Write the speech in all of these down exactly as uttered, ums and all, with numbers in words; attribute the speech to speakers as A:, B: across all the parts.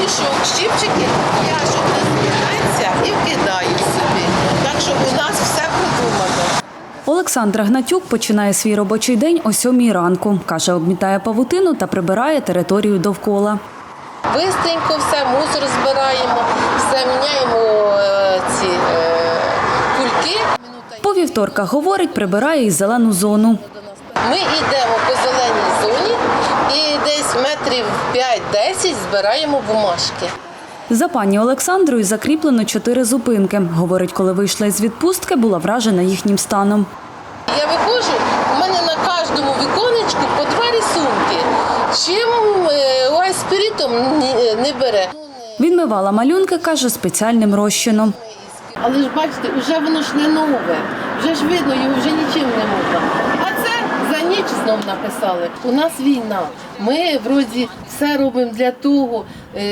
A: порошок, щипчики, я щоб не збирається і вкидаю собі. Так що у нас все продумано.
B: Олександра Гнатюк починає свій робочий день о сьомій ранку. Каже, обмітає павутину та прибирає територію довкола.
A: Бистренько все, мусор збираємо, все міняємо е, ці е, кульки.
B: По вівторках, говорить, прибирає і зелену зону.
A: Ми йдемо по зеленій зоні і десь метрів п'ять-десять збираємо бумажки.
B: За пані Олександрою закріплено чотири зупинки. Говорить, коли вийшла із відпустки, була вражена їхнім станом.
A: Я виходжу, у мене на кожному віконечку по два рисунки. Чим ой, спиритом не бере.
B: Відмивала малюнки, каже, спеціальним розчином.
A: Але ж бачите, вже воно ж не нове, вже ж видно, його вже нічим не можна. А це за ніч знов написали. У нас війна, ми вроді все робимо для того,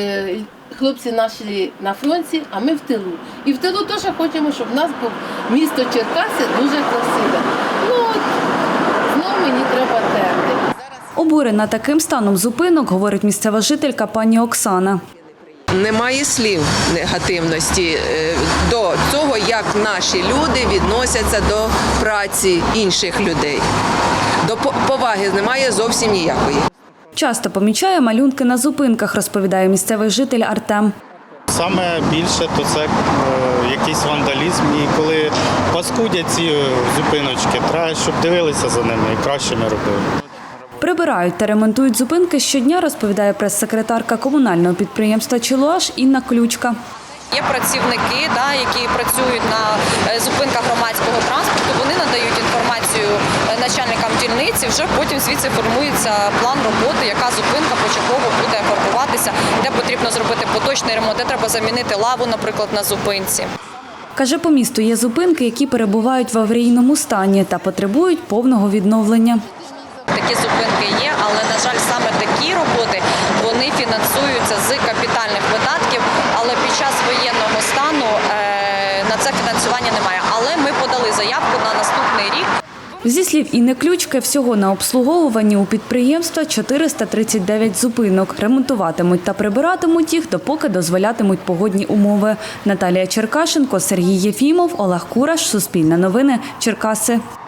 A: хлопці наші на фронті, а ми в тилу. І в тилу теж хочемо, щоб в нас був місто Черкаси дуже красиве. Ну от, знов мені треба терти.
B: Обурена таким станом зупинок, говорить місцева жителька пані Оксана.
C: Немає слів негативності до того, як наші люди відносяться до праці інших людей. До поваги немає зовсім ніякої.
B: Часто помічає малюнки на зупинках, розповідає місцевий житель Артем.
D: Саме більше то це якийсь вандалізм. І коли паскудять ці зупиночки, треба, щоб дивилися за ними і краще не робили.
B: Прибирають та ремонтують зупинки щодня, розповідає прес-секретарка комунального підприємства «Чилуаш» Інна Ключка.
E: Є працівники, да, які працюють на зупинках громадського транспорту, вони надають інформацію начальникам дільниці, вже потім звідси формується план роботи, яка зупинка почергово буде фарбуватися, де потрібно зробити поточний ремонт, де треба замінити лаву, наприклад, на зупинці.
B: Каже, по місту є зупинки, які перебувають в аварійному стані та потребують повного відновлення.
E: Такі зупинки є, але, на жаль, саме такі роботи, вони фінансуються з капітальних видатків, але під час воєнного стану на це фінансування немає. Але ми подали заявку на наступний рік.
B: Зі слів Інни Ключки, всього на обслуговуванні у підприємства чотириста тридцять дев'ять зупинок. Ремонтуватимуть та прибиратимуть їх, допоки дозволятимуть погодні умови. Наталія Черкашенко, Сергій Єфімов, Олег Кураш, Суспільне новини, Черкаси.